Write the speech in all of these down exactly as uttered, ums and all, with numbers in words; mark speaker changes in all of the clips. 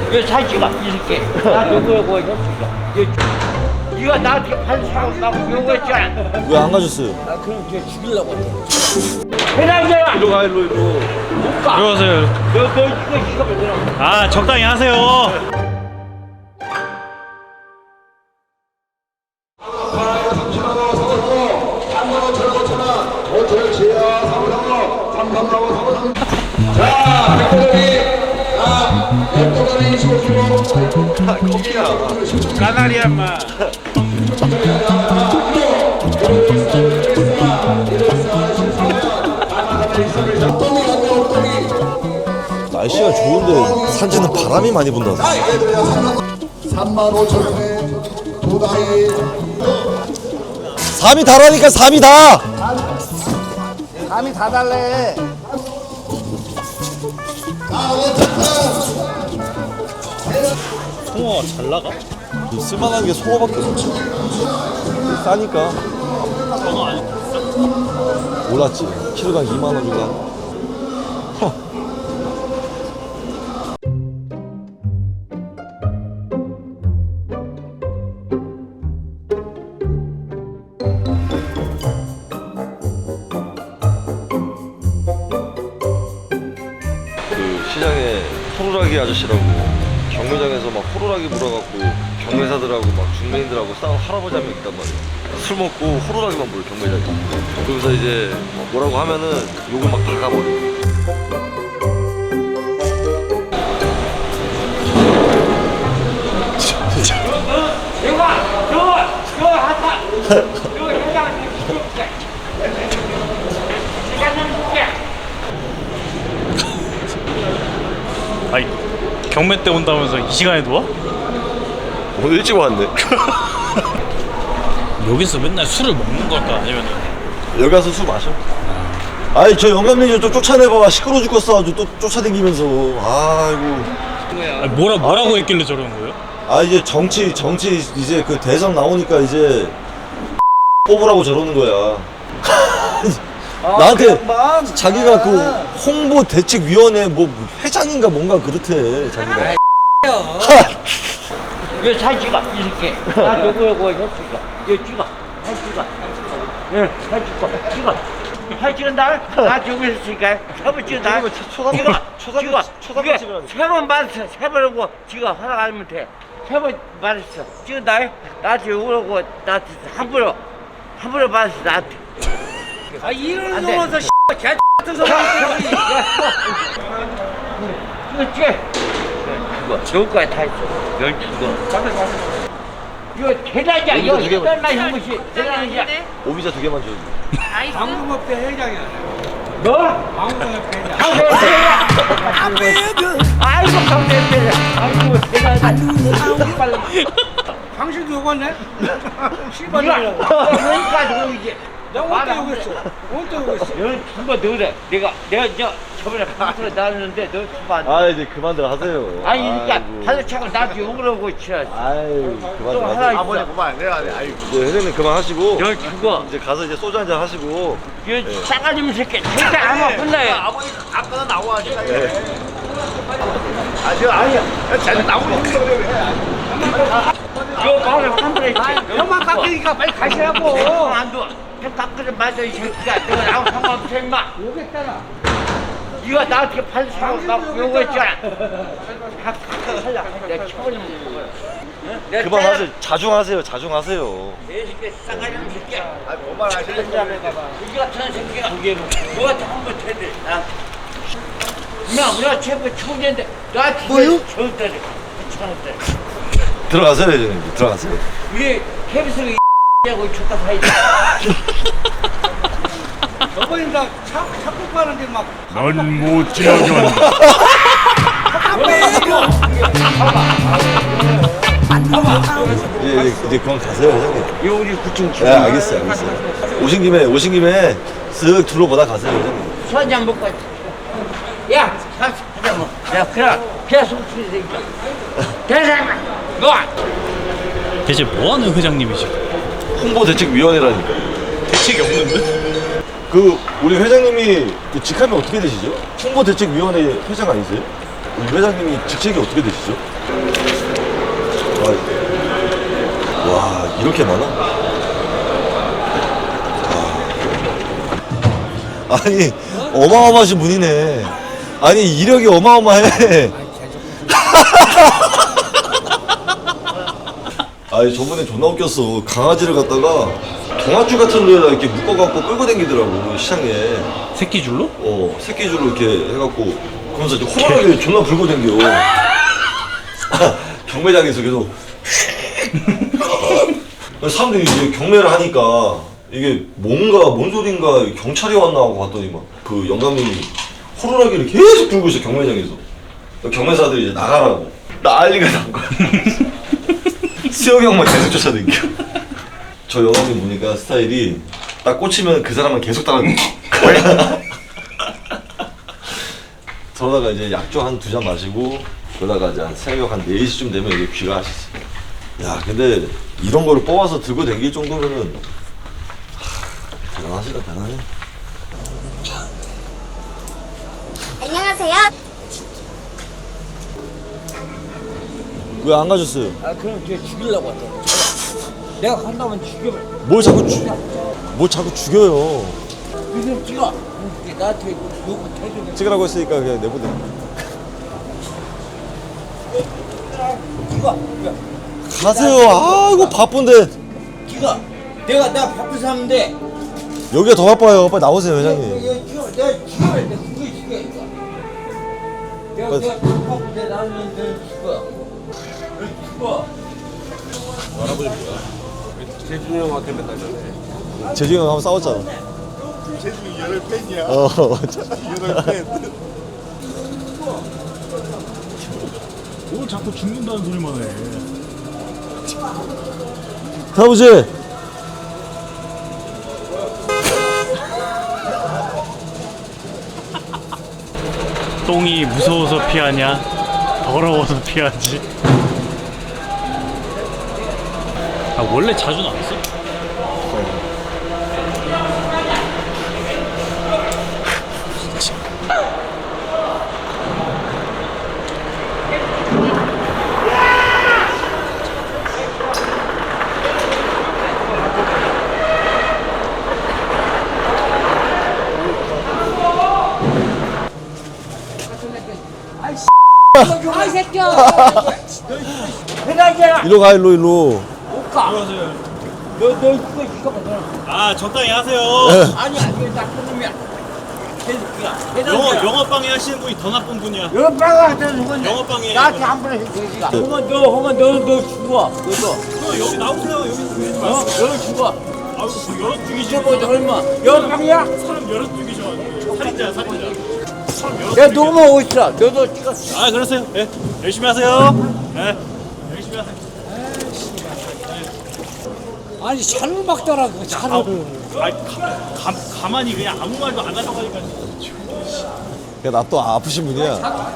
Speaker 1: 이거 사진 찍어, 이 새끼. 나 누구라고 했어, 이거 나한테 판사고 나고 요구했잖아.
Speaker 2: 왜 안 가셨어요?
Speaker 1: 아, 그럼 쟤 죽이려고 했어. 회장이야!
Speaker 2: 일로 가, 일로, 일로.
Speaker 1: 못 가.
Speaker 3: 들어가세요.
Speaker 1: 너, 너 이거, 이거 왜
Speaker 3: 아, 적당히 하세요.
Speaker 1: 까나리야, 마.
Speaker 2: 날씨가 좋은데 산지는 바람이 많이 분다.
Speaker 4: 삼만 오천 원에 도다리
Speaker 2: 삼이 다라니까 삼이 다.
Speaker 4: 감이 다 달래.
Speaker 3: 통화가 잘 나가?
Speaker 2: 쓸만한 게 송어밖에 없지. 싸니까.
Speaker 3: 통화 안 했어?
Speaker 2: 몰랐지. 키로당 이만 원 주고. 허. 그 시장에 호루라기 아저씨라고 경매장에서 막 호루라기 물어갖고 경매사들하고 막 중매인들하고 싸운 할아버지 한 명 있단 말이야. 술 먹고 호루라기만 물어 경매장에. 거기서 이제 뭐라고 하면은 욕을 막 박아버려.
Speaker 1: 이거, 저거, 저거 하다. 저거 회장한테 줄게. 시간은 줄게.
Speaker 3: 아니, 경매 때 온다면서 이 시간에 누워?
Speaker 2: 오늘 일찍 왔네.
Speaker 3: 여기서 맨날 술을 먹는 걸까? 아니면
Speaker 2: 여기 가서 술 마셔. 아이 저 영감님 좀 쫓아내봐. 시끄러워 죽겠어. 또 쫓아다니면서. 아이고.
Speaker 3: 아니, 뭐라, 뭐라고 했길래 저러는 거예요?
Speaker 2: 아 이제 정치 정치 이제 그 대선 나오니까 이제 뽑으라고 저러는 거야. 나한테 자기가 그 홍보 대책위원회 뭐 회장인가 뭔가 그렇대 자기가.
Speaker 1: 이거 사진 찍어, 이 새끼. 나 누구라고 했어, 이거 찍어. 사진 찍어. 예, 사진 찍어. 찍어. 사진 찍은다? 나 누구 했으니까. 세번 찍은다.
Speaker 2: 초단
Speaker 1: 찍어.
Speaker 2: 초단
Speaker 1: 찍어.
Speaker 2: 초단
Speaker 1: 이게
Speaker 2: 찍으라니.
Speaker 1: 세번 말했어. 세 번 하고 찍어. 허락 안 하면 돼. 세 번 말했어. 찍은다? 나한테 욕하고 나한테 함부로. 함부로 말했어, 나한테. 아, 이런 놈어서 개 같은 소리 이거 찍어. 이거 여기까지 다 있어. 열두 거. 이거 대단이야. 이거
Speaker 2: 두 개만.
Speaker 1: 대단한 형무시. 대단이야.
Speaker 2: 오비자 두 개만 줘.
Speaker 5: 방송업계 회장이야.
Speaker 1: 너?
Speaker 5: 방송업계 회장.
Speaker 1: 아이고 강대회. 아이고 대단하다. 빨리.
Speaker 5: 당신도 욕했네?
Speaker 1: 이거
Speaker 5: 씨발이라고.
Speaker 1: 여기까지 오고 이제.
Speaker 5: 내가 언제 욕했어? 언제 욕했어?
Speaker 1: 너 두번 넣으래. 내가 내가 저 저번에 방송에 나왔는데 너 두번 안.
Speaker 2: 아 이제 그만들 하세요.
Speaker 1: 아니 그러니까
Speaker 2: 아이고.
Speaker 1: 하루 차고 나한테 욕을 하고 치야.
Speaker 2: 아유
Speaker 1: 또
Speaker 2: 그만들
Speaker 1: 하나
Speaker 2: 하세요.
Speaker 1: 있어.
Speaker 4: 그만 내가 내 아이고.
Speaker 2: 이제 회장님 그만하시고
Speaker 1: 너 그거.
Speaker 2: 이제 가서 이제 소주 한잔 하시고.
Speaker 1: 이거 싸가지 새끼. 절대 안 와. 혼나요.
Speaker 4: 아버지 아빠가 나와 하니까. 아 저 아니야. 잘 나오는 거 그래.
Speaker 1: 이거 마음에 환불해.
Speaker 5: 형만 깎으니까 빨리 가시라고.
Speaker 1: 안 둬. 형 깎으려 맞아 이 새끼가. 내가 나하고 상관없어 임마.
Speaker 5: 욕했잖아.
Speaker 1: 이거 나한테 판사고 나 요구했잖아. 할라. 내가 쳐버리면 돼.
Speaker 2: 그만하세요. 자중하세요. 자중하세요.
Speaker 1: 내 새끼 싸가지 없는 새끼야.
Speaker 4: 아 뭐만 하시는
Speaker 1: 이 같은 새끼가 누구한테 한번 대대. 나. 나 우리가 최고 총재인데 나한테 저한테 천원짜리.
Speaker 2: 들어가세요 회장님. 들어가세요.
Speaker 1: 우리 케비스가 하고 줬다 사이다.
Speaker 5: 저번에 나 차, 차고 가는데 막.
Speaker 3: 넌 못 지나게 한다.
Speaker 2: 예, 예, 이제 그만 가세요 회장님.
Speaker 1: 이거 우리 구청
Speaker 2: 네 알겠어요 알겠어요. 오신 김에 오신 김에 쓱 둘러보다 가세요 회장님.
Speaker 1: 술 한잔 먹고 왔지. 야, 가서 하자 뭐. 야, 그래. 그래 속쓰리 새끼야. 대사만 너.
Speaker 3: 대체 뭐하는 회장님이시고?
Speaker 2: 홍보대책위원회라니까.
Speaker 3: 대책이 없는데?
Speaker 2: 그 우리 회장님이 그 직함이 어떻게 되시죠? 홍보대책위원회 회장 아니세요? 이 회장님이 직책이 어떻게 되시죠? 와, 와 이렇게 많아? 와. 아니 어마어마하신 분이네. 아니 이력이 어마어마해. 아니 저번에 존나 웃겼어. 강아지를 갖다가 동아줄 같은 데에다 이렇게 묶어갖고 끌고 다니더라고 시장에.
Speaker 3: 새끼줄로?
Speaker 2: 어 새끼줄로 이렇게 해갖고 그러면서 이제 호랑이를 존나 불고 다녀. 경매장에서 계속 사람들이 이제 경매를 하니까 이게 뭔가 뭔 소린가 경찰이 왔나 하고 봤더니 막 그 영감님이 호루라기를 계속 불고 있어 경매장에서. 경매사들이 이제 나가라고 난리가 난 거야. 수영이 형만 계속 쫓아다니고. 저 영감님 보니까 스타일이 딱 꽂히면 그 사람만 계속 따라다니고. 저러다가 이제 약주 한 두 잔 마시고 그러다가 이제 한 새벽 한 네 시쯤 되면 이게 귀가하셨어. 야 근데 이런 거를 뽑아서 들고 다닐 정도면은 하, 대단하시다 대단해.
Speaker 6: 안녕하세요.
Speaker 2: 왜 안 가셨어요?
Speaker 5: 아 그럼 쟤 죽이려고 왔대. 내가 간다면 죽여.
Speaker 2: 뭘 자꾸 죽, 뭘 자꾸 죽여요.
Speaker 5: 그냥 찍어. 이게 나한테 욕을 해주는.
Speaker 2: 찍으라고 했으니까 그냥 내보내.
Speaker 5: 찍어.
Speaker 2: 가세요. 아이고 바쁜데.
Speaker 5: 찍어. 내가 나 바쁜 사람인데.
Speaker 2: 여기가 더 바빠요. 빨리 나오세요 회장님.
Speaker 5: 내가 찍어. 내가 죽여. 내가 그거 죽여 이거. 내가
Speaker 2: 맞-
Speaker 5: 내가 바쁜데 나는 내가 죽어. 내가 죽어.
Speaker 4: 재준이 형한테 맨날 전해.
Speaker 2: 재중이 형 한번 싸웠잖아.
Speaker 4: 재준이 열혈 팬이야.
Speaker 2: 어.
Speaker 4: 열혈 팬.
Speaker 3: 뭘 자꾸 죽는다는 소리만 해.
Speaker 2: 사무실.
Speaker 3: 똥이 무서워서 피하냐? 더러워서 피하지. 아 원래 자주 나왔어?
Speaker 6: 아, 이 새끼야.
Speaker 2: 일로 가 일로 일로.
Speaker 5: 너너 그거 이거 봐.
Speaker 3: 아 적당히 하세요.
Speaker 5: 아니 아니 나 그놈이야. 개새끼야.
Speaker 3: 영어 영어방해 하시는 분이 더 나쁜 분이야.
Speaker 5: 여기 빨간 데는 건
Speaker 3: 영어방해.
Speaker 5: 나한테 한 번에 해주지가. 허만 너 허만 너너 죽어. 너도.
Speaker 3: 어, 여기 나오세요. 여기 왜
Speaker 5: 어? 너 죽어.
Speaker 3: 아우 여러 죽이죠.
Speaker 5: 이제 뭐 얼마? 영방이야?
Speaker 3: 사람 여러 죽이죠. 살인자 살인자.
Speaker 5: 야 너만 어디 있어? 너도 찍었어.
Speaker 3: 아 그러세요. 예 열심히 하세요. 예 열심히 하세요.
Speaker 5: 아니 차를 막더라고 차를.
Speaker 3: 아 가, 가, 가만히 그냥 아무 말도 안 하려고 하니까.
Speaker 2: 나 또 아프신 분이야.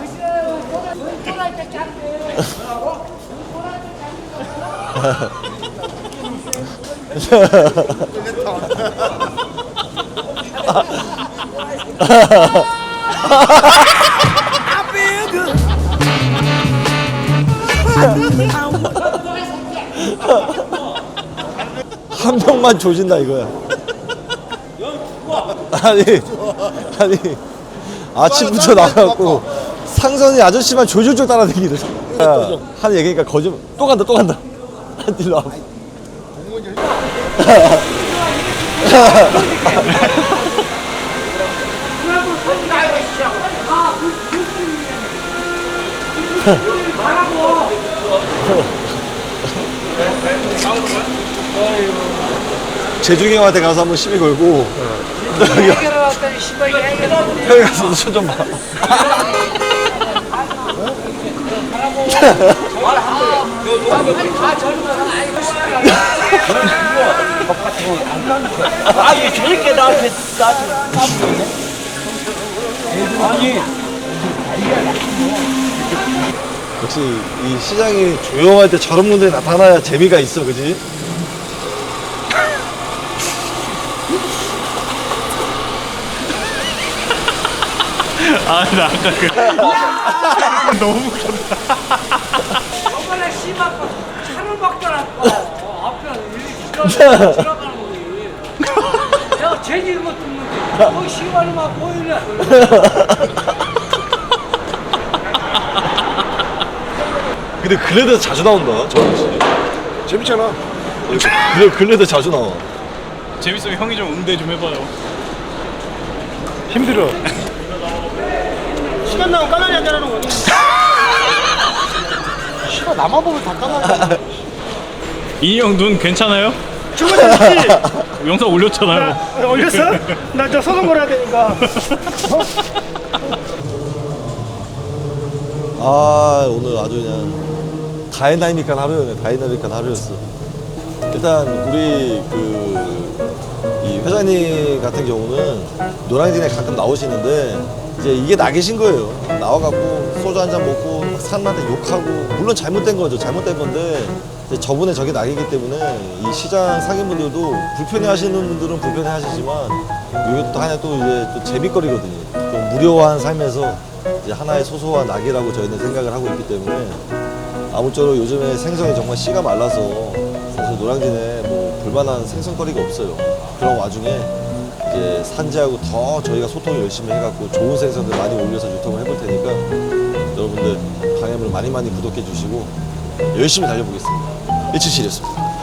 Speaker 2: 한 명만 조진다 이거야. 아니 아니 아침부터 나가갖고 상선이 아저씨만 졸졸졸 따라다니기를 하는 얘기니까 거짓말. 또 간다 또 간다. 일로 와. 재중이 형한테 가서 한번 시비 걸고 형이 가서 손 좀 봐.
Speaker 5: 아니 저렇게 나한테 나한테 아니
Speaker 2: 역시 이 시장이 조용할 때 저런 분들이 나타나야 재미가 있어, 그지?
Speaker 3: 아, 나 아까 그 너무 웃겼다.
Speaker 5: 저번에 씨발 거 차를 막더라고. 앞에 이렇게 지나가는 지나가는 거지. 내가 재질 것도 없는데 뭐 씨발이 막 보이냐.
Speaker 2: 근데 글래드에서 자주 나온다. 저런
Speaker 4: 재밌잖아.
Speaker 2: 그래 글래드 자주 나와.
Speaker 3: 재밌으면 형이 좀 응대 좀 해봐요.
Speaker 4: 힘들어.
Speaker 5: 시간 나면 까나리 한잔하는 거니? 씨발 나만 보면 다 까나리.
Speaker 3: 이형 눈 괜찮아요?
Speaker 5: 충분히
Speaker 3: 영상 올렸잖아요.
Speaker 5: 올렸어? 나 저 소금 걸어야 되니까.
Speaker 2: 아 오늘 아주 그냥 다이나믹한 하루였네. 다이나믹한 하루였어. 일단 우리 그 이 회장님 같은 경우는 노량진에 가끔 나오시는데 이제 이게 낙이신 거예요. 나와갖고 소주 한 잔 먹고 막 사람한테 욕하고 물론 잘못된 거죠. 잘못된 건데 이제 저분의 저게 낙이기 때문에 이 시장 상인분들도 불편해하시는 분들은 불편해하시지만 이게 또 하나 또 이제 또 재밌거리거든요. 좀 무료한 삶에서 이제 하나의 소소한 낙이라고 저희는 생각을 하고 있기 때문에 아무쪼록 요즘에 생선이 정말 씨가 말라서 사실 노량진에 뭐 볼만한 생선거리가 없어요. 그런 와중에 이제 산지하고 더 저희가 소통을 열심히 해갖고 좋은 생선들 많이 올려서 유통을 해볼 테니까 여러분들 강해물 많이 많이 구독해 주시고 열심히 달려보겠습니다. 일칠칠이었습니다.